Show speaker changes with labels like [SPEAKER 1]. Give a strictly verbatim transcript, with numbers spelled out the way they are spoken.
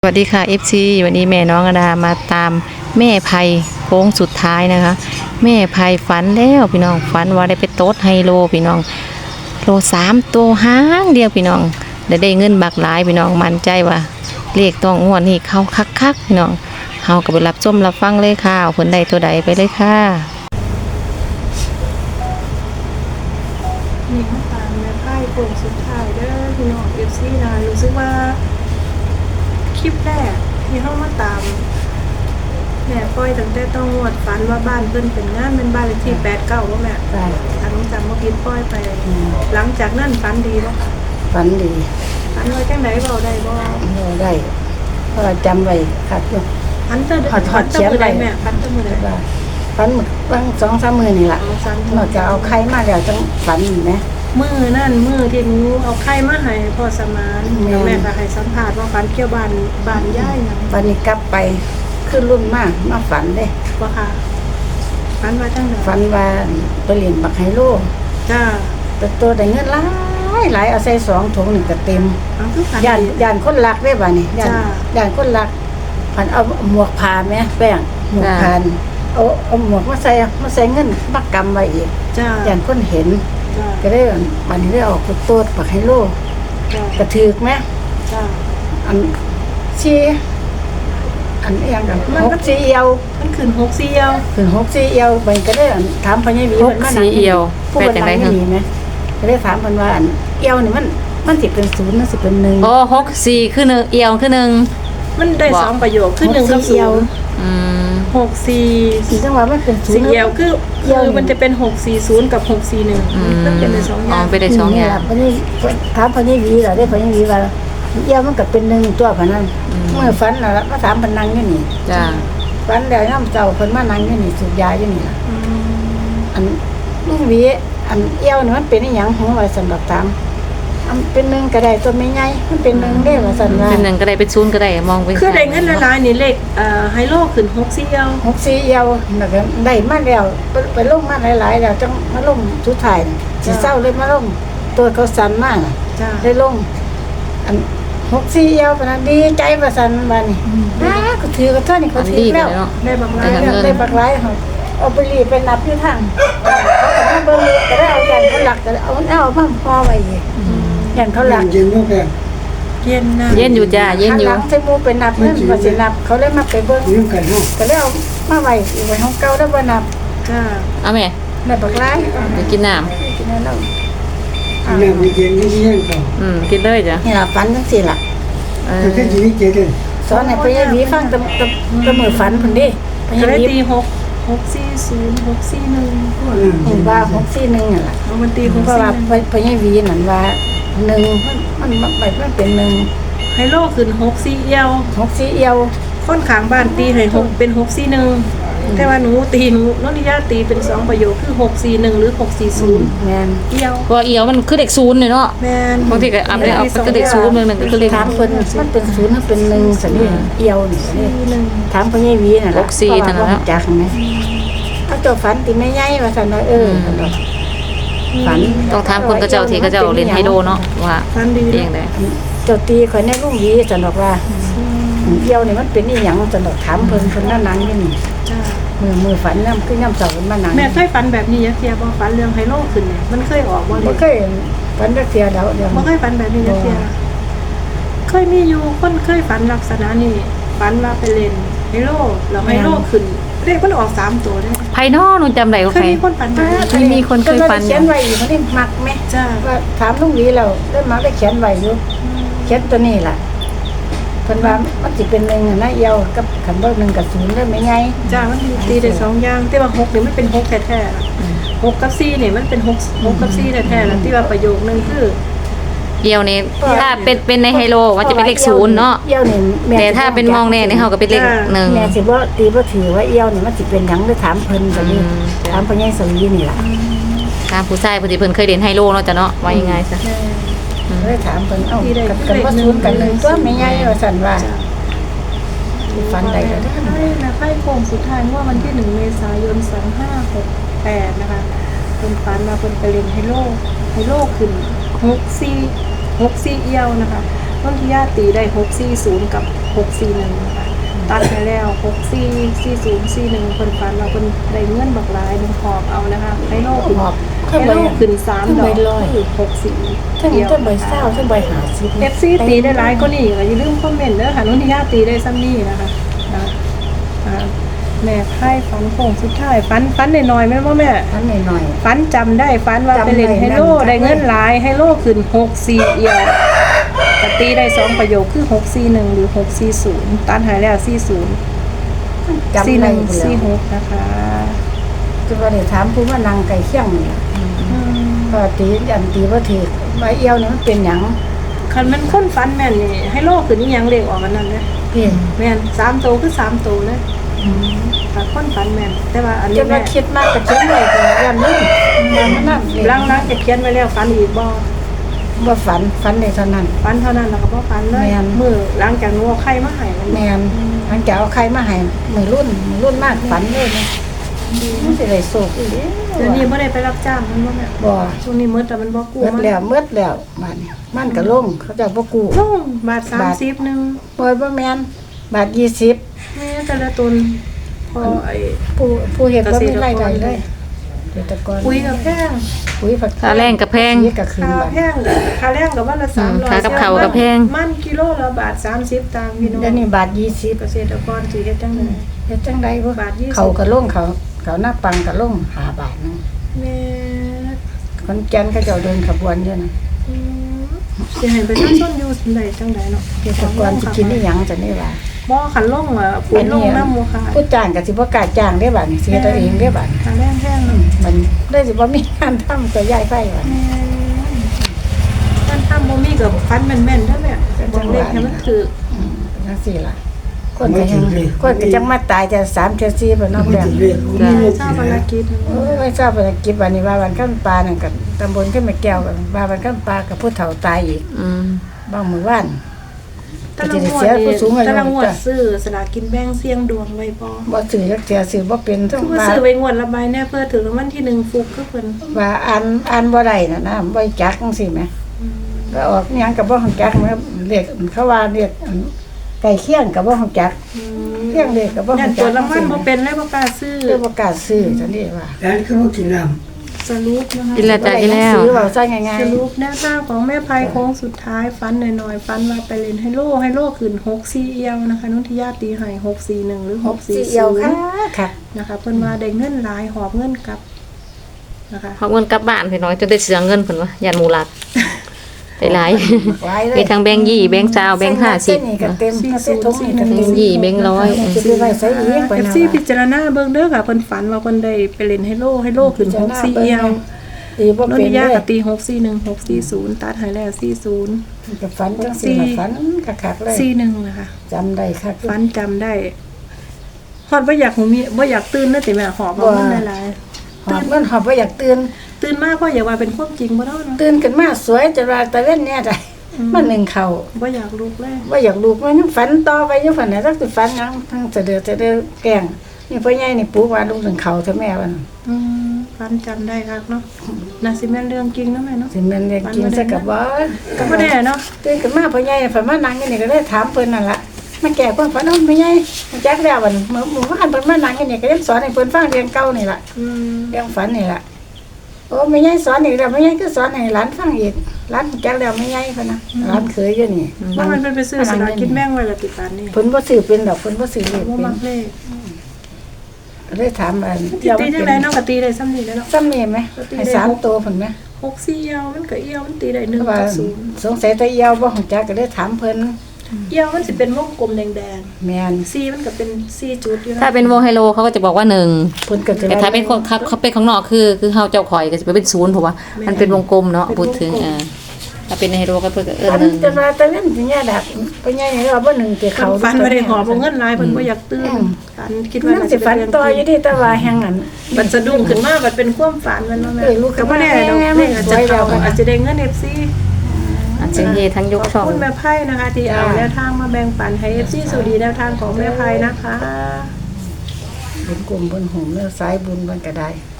[SPEAKER 1] สวัสดีค่ะ เอฟ ซี วันนี้แม่น้องอดามาตามแม่ไพโค้งสุดท้ายนะคะแม่ไพฝันแล้วพี่น้องฝันว่าได้ไปโต๊ดไฮโลพี่น้องโลสามตัวห้างเดียวพี่น้องได้ได้เงินบักหลายพี่น้องมั่นใจว่าเลขต้องงวดนี่เข้าคักๆพี่น้องเฮาก็ไปรับชมรับฟังเลยค่ะผลใดตัวใดไปเลยค่ะ
[SPEAKER 2] นี่มาตามแม่ไพ่โค้งสุดท้ายเด้อพี่น้อง เอฟ ซี นะรู้สึกว่าคลิปแรกที่เข้ามาตามแม่ปล่อยตั้งแต่ต้องงวดฝันว่าบ้านเพิ่นเป็นงานเป็นบ้านเลขที่แปดเก้าว่าแม่
[SPEAKER 3] ได้
[SPEAKER 2] ถ้าน้องจำว่าผิดปล่อยไป หลังจากนั้นฝันดีบ่ค่ะ
[SPEAKER 3] ฝันดี
[SPEAKER 2] ฝันไว้จังได๋เว้าได้บ่
[SPEAKER 3] เราได้เพราะเราจำไว้ขัดอยู่
[SPEAKER 2] ฝันเตอร์
[SPEAKER 3] ถอดถอดเขียนไว้
[SPEAKER 2] แม่ฝันเตอร์มื้อใด
[SPEAKER 3] ว่าฝันหมดบางสองสามมือนี่แหละ
[SPEAKER 2] เอาฝัน
[SPEAKER 3] นอกจากเอาไข่มาแล้วจังฝันอีกนะ
[SPEAKER 2] มื้อนั่นมื้อที่หนูเอาไข่มาให้พ่อสมาน
[SPEAKER 3] แม่
[SPEAKER 2] แล้วแม่ก็ให้สัมภาษณ์ว่าฝันเกี่ยวบ้านบ้านยายหยัง
[SPEAKER 3] วันนี้กลับไปขึ้นรุ่นมากมาฝันเลย
[SPEAKER 2] บ่ค่ะฝันว่าจังได๋
[SPEAKER 3] ฝันว่าไปเรียนบักไฮโล
[SPEAKER 2] จ้า
[SPEAKER 3] แต่ตัวได้เงินหลายหลายเอาใส่สองถุงนี่ก็เต็ม
[SPEAKER 2] เอาคือฝัน
[SPEAKER 3] ย่าน
[SPEAKER 2] ดี
[SPEAKER 3] ย่านคนรักได้บ่นี่ย่าน
[SPEAKER 2] จ้า
[SPEAKER 3] ย่านคนรักผันเอาหมวกผ้าไหมแป้งหมวกผ้านี่เอาเอาหมวกมาใส่มาใส่เงินบักกำไว้อีก
[SPEAKER 2] จ้า
[SPEAKER 3] ย่านคนเห็น
[SPEAKER 2] จ้า
[SPEAKER 3] ก็ได้วันนี้ได้ออกไปตัวปักไฮโล
[SPEAKER 2] จ้าก
[SPEAKER 3] ระถือกไหม
[SPEAKER 2] จ้า
[SPEAKER 3] อันชีอันเอียงกันหกสีเอียว
[SPEAKER 2] มันขึ้นหกสี่เอียว
[SPEAKER 3] ถึงหกสีเอียวมันก็ได้อันถามพญาวี
[SPEAKER 1] หกสีเอียว
[SPEAKER 3] ผู้
[SPEAKER 1] เป็น
[SPEAKER 3] คน
[SPEAKER 1] จัง
[SPEAKER 3] นั่
[SPEAKER 1] ได๋
[SPEAKER 3] ง
[SPEAKER 1] คะ
[SPEAKER 3] นี่ไหมก็ได้ถามเพิ่นว่าอันเอียวนี่มันมันสิเป็นศูนย์มันสิเป็นหนึ่ง
[SPEAKER 1] โอ้หกสี่คือหนึ่งเอียวคือหนึ่ง
[SPEAKER 2] มันได้
[SPEAKER 1] บอก
[SPEAKER 2] สองประโยคขึ้นหนึ่งกับ
[SPEAKER 3] หก
[SPEAKER 2] ศู
[SPEAKER 3] สี่เอียวน
[SPEAKER 2] ย์
[SPEAKER 1] อืม
[SPEAKER 2] หกสี่
[SPEAKER 3] สีจังหวะมันเป็นศูน
[SPEAKER 2] สี่
[SPEAKER 3] ย์
[SPEAKER 2] เอียวคือคือมันจะเป็นหกสี่ศูนย์กับหกสี่หนึ่ง
[SPEAKER 1] อืม
[SPEAKER 2] มันเป็นในสองอ
[SPEAKER 1] อ๋อย่าง เป็นได้สองอย่าง
[SPEAKER 3] พญาถามพญาวีล่ะได้พญาวีว่าเอียวมันก็เป็นหนึ่งตัวพะนั้นเมื่อฝันน่ะมาถามพนังอยู่นี่
[SPEAKER 1] จ้า
[SPEAKER 3] ฝันแล้วย่ำเจ้าเพิ่นมานั่งอยู่นี่สูบยาอยู่นี่ล่ะ
[SPEAKER 2] อืม
[SPEAKER 3] อันลุงหวีอันเอี้ยวนี่มันเป็นอหยังหัวไว้สำหรับตามอันเป็นหนึ่งก็ได้ตัวไม่ใหญ่มันเป็นหนึ่งได้ว่าสันว่า
[SPEAKER 1] เป็นหนึ่งก็ได้เป็นศูนย์ก็ได้มองเป็น
[SPEAKER 2] คือได้เงินละลายนี่เลขเอ่อไฮโลขึ้นหกสี่เอียว
[SPEAKER 3] หกสี่เอี้ยวแล้วก็ได้มาแล้วไปไปลงมาหลายๆแล้วจังมาลงสุดท้ายน่ะสิเศร้าเลยมาลงตัวเขาสั่นมากน่ะ
[SPEAKER 2] จ้า
[SPEAKER 3] ได้ลง อันหกสี่เอี้ยวปานนั้นดีใจว่าสันว่านี่อ้าก็ถือก็เท่านี้
[SPEAKER 1] อั
[SPEAKER 3] เขา
[SPEAKER 1] น
[SPEAKER 3] ถื
[SPEAKER 1] ดี
[SPEAKER 3] อ
[SPEAKER 1] กั
[SPEAKER 3] แล้
[SPEAKER 1] น
[SPEAKER 3] ว
[SPEAKER 1] เนาะ
[SPEAKER 2] ได้บาง
[SPEAKER 1] ได้
[SPEAKER 2] ราย
[SPEAKER 1] เงิน
[SPEAKER 3] ได้บักหลายเขาเอาไปรีบไปนับอยู่ทางเขาก็มาเบิ่งก็ได้เอายันเขาหลักก็ได้เอาเอามาพอไว้อีกยันเขาหลัก
[SPEAKER 4] เย็นลูกแก
[SPEAKER 2] เย็นนะ
[SPEAKER 1] เย็นอยู่จ้าเย็นอยู่
[SPEAKER 3] หัหลังใส่หมูไปนับเพิ่นว่าสินับ เขาเลยมาไปเบิ่ง
[SPEAKER 4] ยิ้มกันเนาะ
[SPEAKER 3] ก็เลยเอามาไว้อยู่ไว้ห้องเก่าแล้วบ่นับ
[SPEAKER 2] จ้า
[SPEAKER 1] เอาแม่
[SPEAKER 3] ได้บักหลาย
[SPEAKER 1] ไปกินน้
[SPEAKER 3] กินแล้ว
[SPEAKER 4] แม่ไปเย็นที่เย็นก่อน
[SPEAKER 1] ำอืมกินเลยจ้ะ
[SPEAKER 3] นี่ล่ะฝันจังซี่ล่ะ
[SPEAKER 1] เออ
[SPEAKER 4] แต่ที่จีนี่เย็น
[SPEAKER 3] สอนให้พ่อใหญ่หวีฟังแตะตะตะมือฝันเพิ่นเด้พ่อให
[SPEAKER 2] ก็
[SPEAKER 3] ญ่
[SPEAKER 2] ได้
[SPEAKER 3] หวี
[SPEAKER 2] ตีหกหกสี่ศูนย์หกสี่หนึ่ง
[SPEAKER 3] เห็นว่าหกสี่หนึ่งนั่นล่ะ
[SPEAKER 2] เอามันตีหก
[SPEAKER 3] เพราะ
[SPEAKER 2] สี่
[SPEAKER 3] ว่า
[SPEAKER 2] หนึ่ง
[SPEAKER 3] พ่อพ่อใหญ่หวีนั่นว่าหนึ่งมันมันมันมันเป็นหนึ่ง
[SPEAKER 2] ไฮโลขึ้นหกสี่เอียว
[SPEAKER 3] หกสี่เอียว
[SPEAKER 2] คนขางบ้านตีให้หกเป็นหกสี่หนึ่งแต่ว่าหนูตีหนูนนทิยาตีเป็นสองประโยคคือหกสี่หนึ่งหรือหกสี่ศูนย์
[SPEAKER 3] แม่น
[SPEAKER 2] เอียว
[SPEAKER 1] เพราะว่าเอียวมันคือเด็กศูนย์เลยเนาะ
[SPEAKER 2] แมน
[SPEAKER 1] บางทีก็อัพได้เอาเป็นเด็กศูนย์หนึ่งหนึ่งก็คือเลข
[SPEAKER 3] ถามเพิ่นมันเป็นศูนย์หรือเป็นหนึ่งสันนี่เอียวนี่นี่
[SPEAKER 2] สี่หนึ่ง
[SPEAKER 3] ถามพ่อใหญ่หวีน่ะ
[SPEAKER 1] ห
[SPEAKER 3] ล่ะ
[SPEAKER 1] กสี่เท่านั้น
[SPEAKER 3] เพ
[SPEAKER 1] แล้ว
[SPEAKER 3] ราะว่าบ่รู้จักไหมเอาเจ้าฝันติแม่ใหญ่ว่าซั่นว่าเออซั่นว่าฝัน
[SPEAKER 1] ต้องถามคนกระเจ้าที่กระเจ้าเล่นไฮโลเนาะว่า
[SPEAKER 2] ฟันดี
[SPEAKER 1] เองได้
[SPEAKER 3] เจ้าตีข่อยในลุงหวีซั่นบอกว่าเอียวนี่มันเป็นอีหยังซั่นดอกถามเพิ่นเพิ่นนั่นนั่งอยู่นี่
[SPEAKER 2] จ้า
[SPEAKER 3] มือมือฝันนำคือยามเช้าเพิ่นมานั่ง
[SPEAKER 2] แม่เคยฝันแบบนี้ยักเทียบ่ฝันเรื่องไฮโลขึ้นเนี่ยมันเคยออกบ่เล
[SPEAKER 3] บ่
[SPEAKER 2] ย
[SPEAKER 3] เคยฝันจักเที่ยแล้วเดี๋ยว
[SPEAKER 2] บ่เคยฝันแบบนี้ยักเทียเคยมีอยู่คนเคยฝันลักษณะนี้ฝันว่าไปเล่นไฮโลแล้วไฮโลขึ้นเลขมันออกสามตัวได้
[SPEAKER 1] ไพนอลหนูจำได้ว่า
[SPEAKER 2] เคย
[SPEAKER 1] ใคร
[SPEAKER 2] มีคนฝันแบบนี้
[SPEAKER 1] มีมีคนเคยฝันอยู่
[SPEAKER 3] เขียนไว้อยู่มันนี่มักไหม
[SPEAKER 2] จ้า
[SPEAKER 3] ว่าถามลุงหวีแล้วได้มาได้เขียนไว้อยู่เขียนตัวนี้ล่ะเพิ่นว่ามันสิเป็นหนึ่งอะนะเอียวกับคันบ่หนึ่งกับศูนย์ได้ไหมไง
[SPEAKER 2] จ้ามันตีได้สองอย่างแต่ว่าหกเนี่ยมันเป็นหกแท้ๆล่ะหกกับสี่เนี่ยมันเป็นหกหกกับสี่แท้ๆแล้วที่ว่าประโยคนึงคือ
[SPEAKER 1] เอียวนี่ถ้าเป็นเป็นในไฮโลมันจะเป็นเลขศูนย์เนาะ
[SPEAKER 3] เอียวนี่แม่
[SPEAKER 1] แต่ถ้าเป็นมองแน่นี่เขาก็เป็นเลขหนึ่ง
[SPEAKER 3] แม่สิบ่ตีบ่ถือว่าเอียวนี่มันสิเป็นหยังหรือถามเพิ่นแบบนี้
[SPEAKER 1] อืม
[SPEAKER 3] ถามพ่อใหญ่สวีนี่ล่ะ
[SPEAKER 1] ตามผู้ชายผู้ที่เพิ่นเคยเล่นไฮโลเนาะจ้ะเนาะว่ายังไงซะ
[SPEAKER 3] เลยถามเพิ่นเอ้ากันกันว่าศูนย์กันหนึ่งตัวแม่ใหญ่ว่าซั่นว่าฝันได้ก็ได้
[SPEAKER 2] ใช่นะไพ่โค้งสุดท้ายว่าวันที่หนึ่งเมษายนสองห้าหกแปดนะคะเป็นฝันมาเป็นไปเล่นไฮโลไฮโลขึ้นหกสี่หกสี่เอียวนะคะต้นที่ญาติตีได้หกสี่ศูนย์กับหกสี่หนึ่งนะคะตัดไปแล้วหกสี่สี่ศูนย์สี่หนึ่งคนฝันเราคนได้เงินบักหลายหนึ่งหอบเอานะคะให้โลขึ้น
[SPEAKER 3] หอบ
[SPEAKER 2] ให้โลขึ้นสามดอกคือหกสี่
[SPEAKER 3] ทั้งทั้งใบเศร้าทั้งใบหาสิ
[SPEAKER 2] เอฟซีตีได้หลายก็นี่ก็อย่าลืมคอมเมนต์เด้อค่ะนุ่นที่ญาตีได้ซ้ำนี่นะคะนะอ่าแม่ไพ่ฝันโค้งสุดท้ายฝันฝันหน่อยๆแม่ว่าแม่
[SPEAKER 3] อันหน่อย
[SPEAKER 2] ฝันจำได้ฝันว่าไปเล่นไฮโลได้เงินหลายไฮโลขึ้นหกสี่เอียวปตีได้สองประโยคคือหกสี่หนึ่งหรือหกสี่ศูนย์ตันหายแล้วสี่ศูนย์
[SPEAKER 3] ๆจำ
[SPEAKER 2] สี่ห
[SPEAKER 3] ได้
[SPEAKER 2] นึ่ง
[SPEAKER 3] พุ่น
[SPEAKER 2] สี่
[SPEAKER 3] แล้ว
[SPEAKER 2] หกนะคะ
[SPEAKER 3] คือว่าได้ถามผู้ว่านางไก่เคี่ยงนี่ล่ะ
[SPEAKER 2] อืม
[SPEAKER 3] ก็ตีอันตีบ่ถือใบเอียวนี่มันเป็นหยัง
[SPEAKER 2] คันมันค้นฝันแม่นนี่ไฮโลขึ้นนี่ยังเลขออกกันนั่นเลย
[SPEAKER 3] พี่
[SPEAKER 2] แม่นสามโตวคือสามโตวเลยถ้าค้นฝันแม่นแต่ว่าอัน
[SPEAKER 3] จ
[SPEAKER 2] นี้
[SPEAKER 3] น
[SPEAKER 2] แม่
[SPEAKER 3] ว่าคิดมากก็เขียนไว้ก็ยันนี่มันมันนั่นเอง
[SPEAKER 2] ล้างๆจะเขียนไว้แล้วฝันอีกบ่
[SPEAKER 3] บ่ฝันฝันได้เท่านั้น
[SPEAKER 2] ฝันเท่านั้นแล้วก็บ่ฝันเลย
[SPEAKER 3] แม่น
[SPEAKER 2] มือหลังจากนู้นใครมาให้มัน
[SPEAKER 3] แม่นหลังจากเอาใครมาให้มือรุ่นมือรุ่นมากฝันเลยนะมันสิได้โศกอีก
[SPEAKER 2] เดี๋ยวนี้บ่ได้ไปรับจ้างมันบ่แม่
[SPEAKER 3] บ่
[SPEAKER 2] ช่วงนี้มืดแต่มันบ่กู้
[SPEAKER 3] เมื่อแล้วเมื่อแล้วบ้านนี้มันก็ลงเขาเจะบ่กู้
[SPEAKER 2] ลงบาทสามสิบหนึง
[SPEAKER 3] บ่บ่แม่นบาทยี่สิบ
[SPEAKER 2] แม่แต่ละตนพอไอ้
[SPEAKER 3] ผู้ผู้เฮ็ดบ่มีรายได้เลยเกษตรกร
[SPEAKER 2] ปุ๋ยกับแพง
[SPEAKER 3] ปุ๋ยผัก
[SPEAKER 1] ค่าแรงกับแพง
[SPEAKER 3] นี่ก็คืน
[SPEAKER 2] ค่า
[SPEAKER 3] บัด
[SPEAKER 2] แพงค่าแรงกับวันละสามร้อย
[SPEAKER 1] ค่ากับข้าวกับแพง
[SPEAKER 2] มันกิโลละบาทสามสิบตังค์พี่น้อง
[SPEAKER 3] เดี๋ยวนี้บาทยี่สิบ
[SPEAKER 2] เกษตรกรสิเฮ็ดจังได๋
[SPEAKER 3] เฮ็ดจังไดบ่
[SPEAKER 2] บาทยี่สิบ
[SPEAKER 3] เขาก็ลงเขาเขาหน้าปังก็ลงห้าบาทนึง
[SPEAKER 2] แม่
[SPEAKER 3] คนแก่นเขาเจ้าเดินขบวนอยู่นะ
[SPEAKER 2] อืมสิให้ประชาชนอยู่ได้จังได๋เนาะ
[SPEAKER 3] เกษตรกรสิกินได้หยังจังนี้ว่า
[SPEAKER 2] บ่คันลงอ่ะปุ๋ยลงน้ำหมู่ค่ะ
[SPEAKER 3] ผู้จ้างก็สิบ่กล้าจ้างเด้บัดนี้เสียตัวเองเด้บัด
[SPEAKER 2] ค่าแรงแพงเนาะ
[SPEAKER 3] มันได้สิบ่มีงานทำก็ย้ายไปบัด
[SPEAKER 2] แม่มันทำบ่มีกับฟันแม่นๆเด้อแม่บอกเลขให้มันถูก
[SPEAKER 3] อืมเป็นจังซี่ล่ะคนก็ยังคนก็จังมาตายแต่สามเทื่อสี่บ่เนอก
[SPEAKER 4] ไม่
[SPEAKER 3] แล้ว
[SPEAKER 4] ถึงเรียกผมไม่
[SPEAKER 2] ทราบภารกิจ
[SPEAKER 3] โอ้ยไม่ทราบภารกิจวันนี้ว่าวันข้ามปลานั่นกับตำบลขึ้นมาแก้วกันว่าวันข้ามปลากับผู้เฒ่าตายอีก
[SPEAKER 1] อืม
[SPEAKER 3] บ้างมือว่าน
[SPEAKER 2] ตะละงวดนี่ตะละงวดซื้อสลากกินแบ่งเสี่ยงดวงไว้บ่
[SPEAKER 3] บ่ซื้อจักเสียซื้อบ่เป็นทั้ง
[SPEAKER 2] คือว่า
[SPEAKER 3] ว่า
[SPEAKER 2] ซื้อไว้งวดละใบแน่เพื่อถึงรางวัลที่หนึ่งฟุกคือเพิ่น
[SPEAKER 3] ว่าอ่านอ่านบ่ได้น่ะนะบ่จักจังซี่แหมก็ออกหยังก็บ่ฮู้จักแม่เรียกเขาว่าเรียกอันไก่เคียงก็บ่ฮู้จักเคียงเด็กก็บ่
[SPEAKER 2] นั่
[SPEAKER 3] ฮู้
[SPEAKER 2] น
[SPEAKER 3] จั
[SPEAKER 2] ตัว
[SPEAKER 3] ก
[SPEAKER 2] รางวัลบ่เป็นเลยบ่กล้าซื้อ
[SPEAKER 3] คือบ่กล้าซื้อจังนี้ว่า
[SPEAKER 4] ร้านเขาบอกกินน้
[SPEAKER 2] สรุปนะคะ
[SPEAKER 1] กินแล้วจ้ะกินแล้ว
[SPEAKER 3] ซื้อเว้าซะง่าย
[SPEAKER 2] สรุปแนวทางของแม่ภัยโค้งสุดท้ายฟันหน่อยๆฟันว่าไปเล่นไฮโลไฮโลขึ้นหกสี่เอียวนะคะนุ่นที่ญาติตีให้หกสี่หนึ่งหรือ
[SPEAKER 3] ๆ
[SPEAKER 2] ห
[SPEAKER 3] ห
[SPEAKER 2] ก
[SPEAKER 3] ก
[SPEAKER 2] สี่
[SPEAKER 3] สี่
[SPEAKER 2] ศู
[SPEAKER 3] เอียวน ค่ะ
[SPEAKER 2] ย์
[SPEAKER 3] ค่ะ
[SPEAKER 2] นะคะเพิ่นว่าได้เงินหลายหอบเงินกลับนะคะ
[SPEAKER 1] เอาเงินกลับบ้านพี่น้อยจนได้เสียเงินเพิ่นว่ายันหมูหลักไปหลาย
[SPEAKER 3] หลายเลย
[SPEAKER 1] มีทั้งแบงค์ยี่แบงค์เจ้าแบงค์ห้าสิบ
[SPEAKER 3] เส้นนี่ก็เต็มเส้นทงนี่ก็
[SPEAKER 1] แบ
[SPEAKER 3] เต็
[SPEAKER 1] ง
[SPEAKER 3] ม
[SPEAKER 1] ค์ยี่แบงค์ร้อย
[SPEAKER 3] จะไปไว้ใส่อีก
[SPEAKER 2] เอฟซีพิจารณาเบิ่งเด้อค่ะเพิ่นฝันว่าเพิ่นได้ไปเล่นไฮโลไฮโลขึ้นหกสี่เอียว
[SPEAKER 3] ตีบ่
[SPEAKER 2] นน
[SPEAKER 3] เป็น
[SPEAKER 2] ทิ
[SPEAKER 3] เลย
[SPEAKER 2] าย กับตีหกสี่หนึ่งหกสี่ศูนย์ตัดให้แล้วสี่ศูนย์
[SPEAKER 3] ก็ฝันจังซี่ล่ะฝันคักๆเลย
[SPEAKER 2] สี่หนึ่งนะคะ
[SPEAKER 3] จำได้คัก
[SPEAKER 2] ฝันจำได้ฮอดบ่อยากหูมีบ่อยากตื่นเด้อติแม่หอบเอาเงินหลาย
[SPEAKER 3] หอบมันหอบบ่อยากตื่น
[SPEAKER 2] ๆตื่นมาเพราะอยากว่าเป็นความจริงบ่เนาะเนาะ
[SPEAKER 3] ตื่นขึ้นมาสวยจะว่าตะเว้นเนี่ยได้มันหนึ่งเข้า
[SPEAKER 2] บ่อยากลุกเลย
[SPEAKER 3] บ่อยากลูกมันยังฝันต่อไปยังฝันไหนสักสิฝันหยังทั้งเสะเดือดเสะเดือแกล้งนี่พ่อใหญ่นี่ปลูกว่าลูกหนึ่งเข้าเท่าแม่ว่า
[SPEAKER 2] อืมฝันจำได้ครับเนาะน่าสิแม่นเรื่องจริงเนาะแม่เนาะ
[SPEAKER 3] สิแม่นเรียกกินซะกับบ่
[SPEAKER 2] ก็บ่แน่เนาะ
[SPEAKER 3] ตื่นขึ้นมาพ่อใหญ่ฝันมานั่งอยู่นี่ก็เลยถามเพิ่นนั่นล่ะมาแก้ความฝันเอาพ่อใหญ่จักแล้ววันเมื่อเมื่อวานเพิ่นมานั่งอยู่นี่ก็เลยสอนให้เพิ่นฟังเรื่องเก่านี่ล่ะ
[SPEAKER 2] อืม
[SPEAKER 3] เรื่องฝันนี่ล่ะโอ้แม่ใหญ่สอนอีกแล้วแม่ใหญ่ก็สอนให้หลานฟังอีกหลานจักแล้วแม่ใหญ่พุ่นน่ะหลานเคยอยู่นี่
[SPEAKER 2] ว่ามันเป็นไปซื้อสลากกินแบ่งไว้ละติปานนี้
[SPEAKER 3] เพิ่นบ่ซื้อเป็นดอกเพิ่นบ่ซื้อเลข
[SPEAKER 2] บ่
[SPEAKER 3] เป็น
[SPEAKER 2] มักเลข
[SPEAKER 3] เลยถามอัน
[SPEAKER 2] ตีตีจังไดเนาะก็ตีได้ซ้ำนี่แหล้วเนาะ
[SPEAKER 3] ซ้ำนี่ไหมให้สามตัวเพิ่นไหม
[SPEAKER 2] หกสี่เอียวมันก็เอียวมันตีได้หนึ่ง
[SPEAKER 3] ว่า
[SPEAKER 2] กับศูนย์
[SPEAKER 3] สงสัยแตะเอียวบ่ฮู้จักก็เลยถามเพิ่น
[SPEAKER 2] เอียวมันสิเป็นวงกลมแดง
[SPEAKER 3] แม่น
[SPEAKER 2] ๆสี่มันก็เป็นสี่จุดอยู่นะ
[SPEAKER 1] ถ้าเป็นวงไฮโลเขาก็จะบอกว่าหนึ่ง
[SPEAKER 3] เพิ่นก็จะ
[SPEAKER 1] แต่ถ้าเป็นคนเขาเขาเป็นข้างนอกคือคือเฮาเจ้าข่อยก็จะเป็นศูนย์เพราะว่ามันเป็นวงกลมเนาะพูดถึงอ่าถ้าเป็นไฮโลก็เพิ่นก็เออ
[SPEAKER 3] อัน
[SPEAKER 1] หนึ่ง
[SPEAKER 3] จะว่าแต่เล่นสิเนี่ยดักไปใหญ่นี่ว่าบ่หนึ่งเกี่ยว
[SPEAKER 2] เขา
[SPEAKER 3] เขา
[SPEAKER 2] ฟันบ่ได้หอบเอาเงินหลายเพิ่นบ่อยากตื่นฝันคิดว่า
[SPEAKER 3] มัน
[SPEAKER 2] น่า
[SPEAKER 3] สิ
[SPEAKER 2] จะ
[SPEAKER 3] ฝั
[SPEAKER 2] เป็น น
[SPEAKER 3] ต่ออยู่ดิแต่ว่าแฮงนั้น
[SPEAKER 2] มันสะดุ้งขึ้นมาบัดเป็นความฝันมันว่าแม่
[SPEAKER 3] เอ้ยลูก
[SPEAKER 2] ก็บ่แน่ดอก
[SPEAKER 3] แม่
[SPEAKER 2] เลขอาจจะ
[SPEAKER 3] ไว้แล้
[SPEAKER 2] เข้าว อาจจะได้เงิน เอฟ ซี
[SPEAKER 1] อาจจะเฮทั้งยก
[SPEAKER 2] ข
[SPEAKER 1] ช่
[SPEAKER 2] อ
[SPEAKER 1] อบ ง
[SPEAKER 2] คุณแม่ไพ่นะคะที่เอาแนวทางมาแบ่งปันให้ เอฟ ซี สวัสดีแนวทางของแม่ไพ่นะคะ
[SPEAKER 3] บุญกลุ่มบุญโหมเนื้อสายบุญมันก็ได้